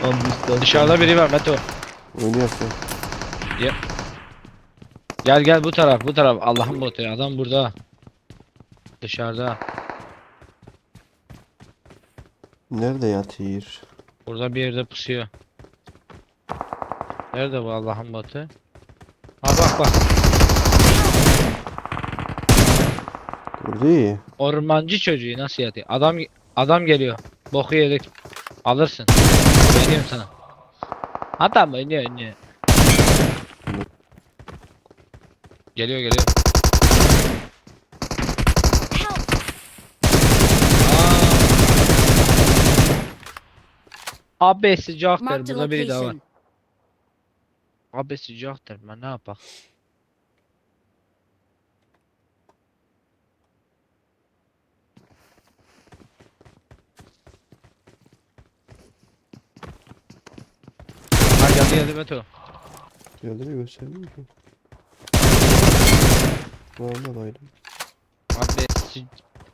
Dışarıda biri var Meto. Oynuyorsun. Gel bu taraf bu taraf. Allah'ın botu ya. Adam burada. Dışarıda. Nerede yatıyor? Burada bir yerde pusuyor. Nerede bu Allah'ın botu? Ha bak. Burada iyi. Ormancı çocuğu nasıl yatıyor? Adam geliyor. Boku yedik. Alırsın. Veriyorum sana. Adam oynuyor. Geliyor. Abi sıcaktır. Marked a Burada biri daha var. location. Abi sıcaktır. Ben ne yapayım? Ha geldi Meto. Yerleri göstermiyor ki. Valla baydım. Abi sıcaktır.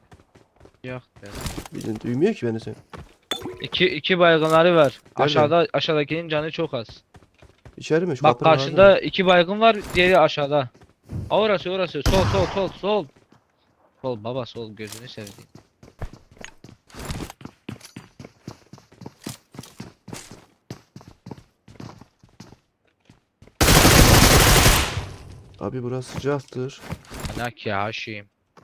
Bizden duymuyor ki beni sen. İki baygınları var. Nerede? Aşağıdakinin canı çok az. İçeri mi? Şu Bak kapının karşında ağzında. iki baygın var, diğeri aşağıda. Orası. Sol. Sol baba sol gözünü seveyim. Abi burası sıcaktır. Ana ki haşim.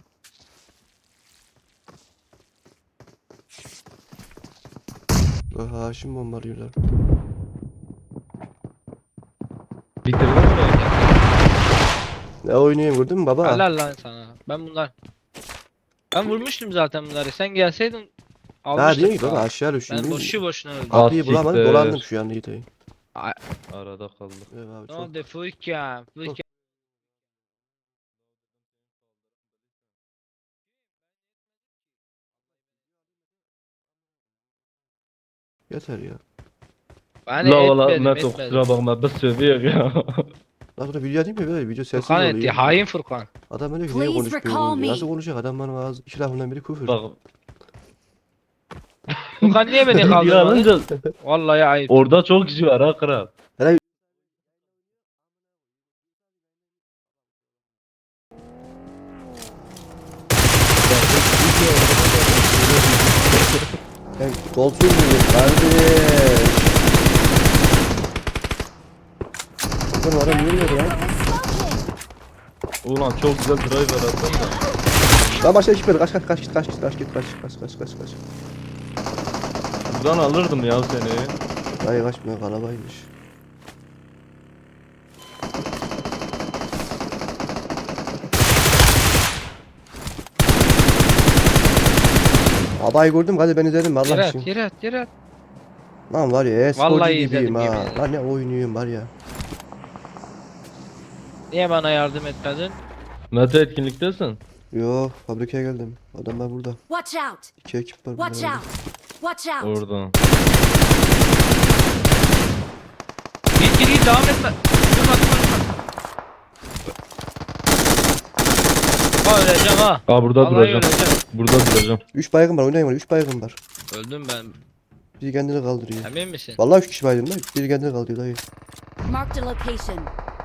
Bak Haşim bombalıyorlar. Bitirdin mi? Ne oynuyorsun gördün mü baba? Helal lan sana. Ben vurmuştum zaten bunları. Sen gelseydin Daha almıştık. değil ki baba daha. aşağı düştüm. Ben boşuna öldüm. Kapıyı bulamadım Siktir. dolandım şu an iyi değil. Arada kaldık. Evet abi Ne çok. oldu Furkan? Yeter ya. Ben La valla etmedim. Mert kusura bakma biz sövüyor ya. Lan burada video değil mi böyle video sessiz Furkan oluyor. etti. Hain Furkan. Adam öyle ki niye Please konuşmuyor? recall me. Nasıl konuşacak adam bana ağzı iki lafından biri küfür. Bak. Furkan niye beni Video kaldırmadın? alınca Vallahi ayıp. orada çok kişi var ha kral. Ben golsuz muyum kardeş? Bakın adam yürüyor ya. Ulan çok güzel driver attın da. Lan başta hiç böyle kaç git. Buradan alırdım ya seni. Hayır kaçmıyor kalabaymış. Babayı gördüm hadi ben izledim Allah için. Yere at. Lan var ya sporcu Vallahi gibiyim izledim, ha. yemin ederim. Lan ne oynuyorum var ya. Niye bana yardım etmedin? Mete etkinliktesin. Yo fabrikaya geldim. Adamlar burada. Watch out! İki ekip var burada. Watch out! Watch out! Oradan. Git devam etme. Durma. Öleceğim ha. Aa burada Vallahi duracağım. öleceğim. Burada duracağım. 3 baygın var oynayın var 3 baygın var. Öldüm ben. Biri kendini kaldırıyor. Emin misin? Vallahi 3 kişi baydım lan. Biri kendini kaldırıyor dayı. Marked a location.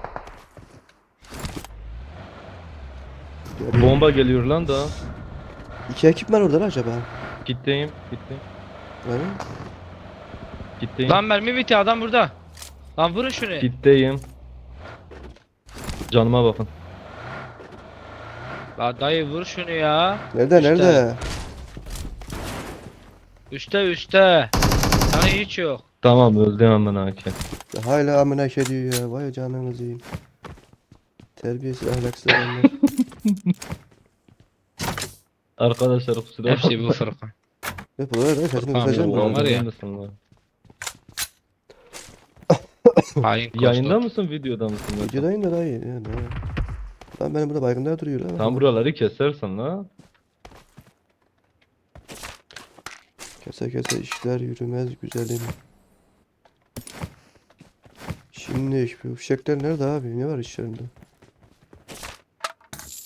Bomba geliyor lan da. 2 ekip var orada lan acaba. Gitteyim. Yani Gitteyim. Lan mermi bitti adam burada. Lan vurun şunu. Gitteyim. Canıma bakın. La dayı vur şunu ya. nerede İşte. nerede? Üste. Sana hiç yok. Tamam öldü hemen hakem. Ya hala amına ediyor ya. Vay canınızı yiyeyim. Terbiyesiz ahlaksız adamlar. Arkadaşlar kusura bakma. Hepsi bu Furkan. Hep böyle sesini Furkan kısacağım ya, mı? ulan var ya. Hain Yayında kostok. mısın videoda mısın? Mete? Videodayım da dayı. Yani. Lan benim burada baygınlar duruyor lan. Tam buraları kesersin la. Kese işler yürümez güzelim. Şimdi bu fişekler nerede abi? Ne var işlerinde?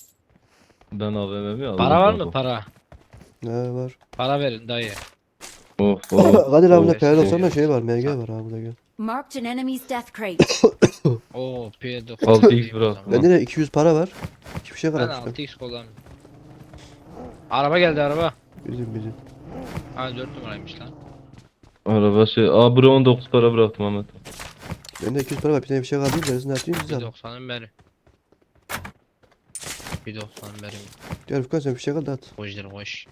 Ben AVM'mi aldım. Para var mı para? Ne var? Para verin dayı. Of of. Kadir abi of. bunda P90'da şey var. MG var abi burada gel. Marked an enemy's death crate. Oo P90. 6x bıraktım. Bende de 200 para var. Hiçbir şey Ben kalmamış. 6x kullanmıyorum. Araba geldi araba. Bizim. Ha 4 numaraymış lan. Araba şey. Aa buraya 19 para bıraktım Ahmet. Bende 200 para var. Bir tane bir şey kaldı. Gerisini atayım size Bir abi. 90'ın beri. Bir 90'ın beri. Gel Furkan sen bir şey kaldı at. Koştur koş.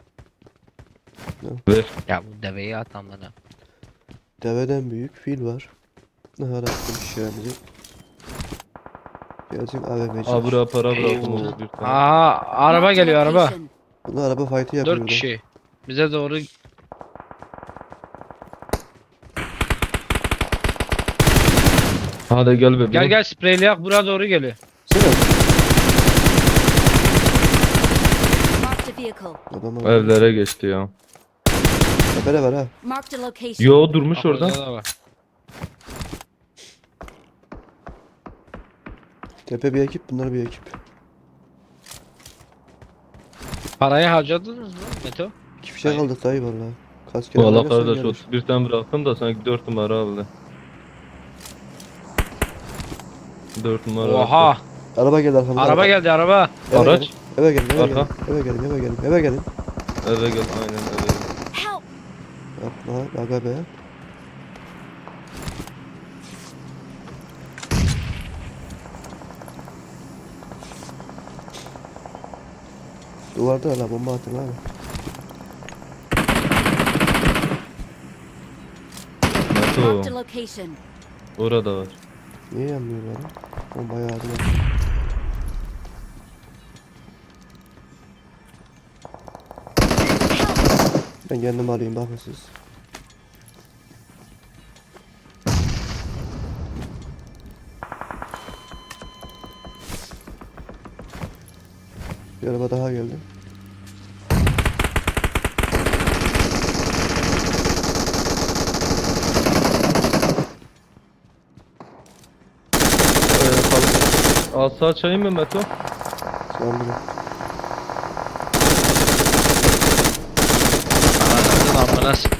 Ver. Ya bu deveyi at amına. Deveden büyük fil var. Ne harattım şişemizi. Gelsin AVM'ci. Aa buraya para bıraktım o bir tane. Aha araba Marked a geliyor araba. location. Bunlar araba fight'ı yapıyor. 4 burada. kişi. Bize doğru Hadi gel bebeğim. gel spreyleyak buraya doğru geliyor. Sen at. Marked a vehicle. Adamlar. Evlere geçti ya. Tepede var ha. Marked a location. Yo durmuş Bak, orada. orada da var. Tepe bir ekip, bunlar bir ekip. Parayı harcadınız mı Meto? İki fişek Hayır. aldık dayı valla. Kaç kere Valla oynarsan kardeş gelir. 31 tane bıraktım da sanki 4 numara aldı. 4 numara. Oha! Araba geldi arkamda. Araba geldi araba. Eve Araç. gelin, Eve gelin, eve gelin. Arka. Eve gelin, eve gelin, eve gelin. Eve gel aynen eve gel. Help! Yapma, aga be. Duvarda hala bomba atın abi. Nato Marked a location. orada var. Niye yanmıyorlar lan? Bombayı ağzına. Ben kendim alayım bakın siz. Bir araba daha geldi. Alsa açayım mı Meto? Sandım. Ananın amına sıkın.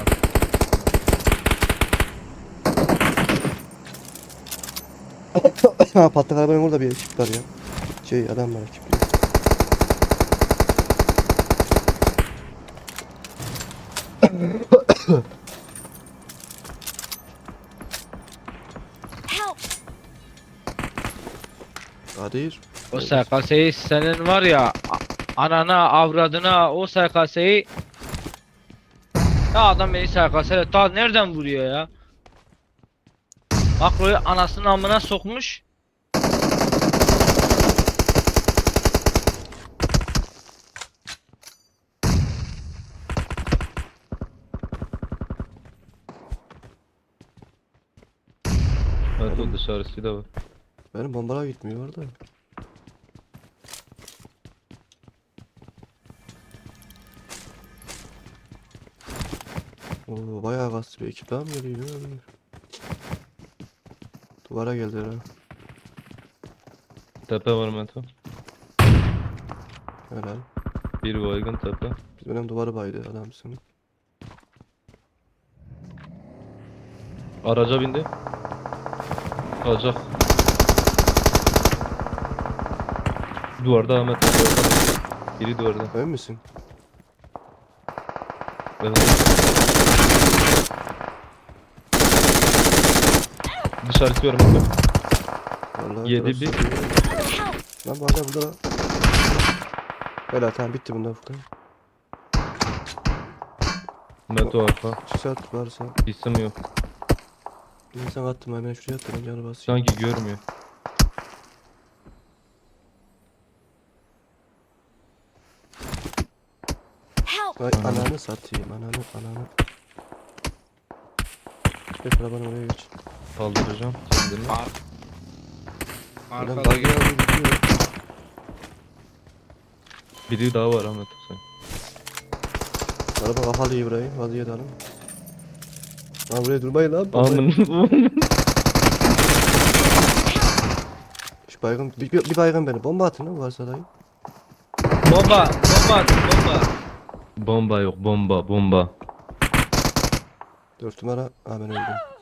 Ha patlak arabanın orada bir ekip var ya. Şey adam var ekip. Help! Kadir. O SKS'yi senin var ya anana avradına o SKS'yi ya adam beni SKS'yle ta nereden vuruyor ya? Makroyu anasının amına sokmuş. Meto dışarısı da var. Benim bombalar gitmiyor orada. Oo bayağı kastı bir ekip daha mı geliyor? Duvara geldiler ha. Tepe var Meto. Helal. Bir baygın tepe. Biz benim duvarı baydı adamsın. Araca bindi. Kalacak. Duvarda Ahmet. Duvarda. Biri duvarda. Emin misin? Evet. Dışarı çıkıyorum Meto. Vallahi 7 burası- bir. Help! Lan bu arada burada. Helal tamam bitti bundan Furkan. Meto arka. Çıksat varsa. İsim yok. Bir insan attım hemen şuraya attım canı basayım. Sanki görmüyor. Help! Vay ananı satayım ananı. Geç arabanı oraya geç. Kaldıracağım kendimi. Adam Arkada buggy aldı gidiyor. Biri daha var Ahmet sen. Araba kapalı İbrahim. Vaziyet alın. Lan buraya durmayın lan. Aman. Şu baygın, bir baygın beni. Bomba atın lan varsa dayı. bomba at, bomba. Bomba yok bomba. 4 numara. Aa ben öldüm.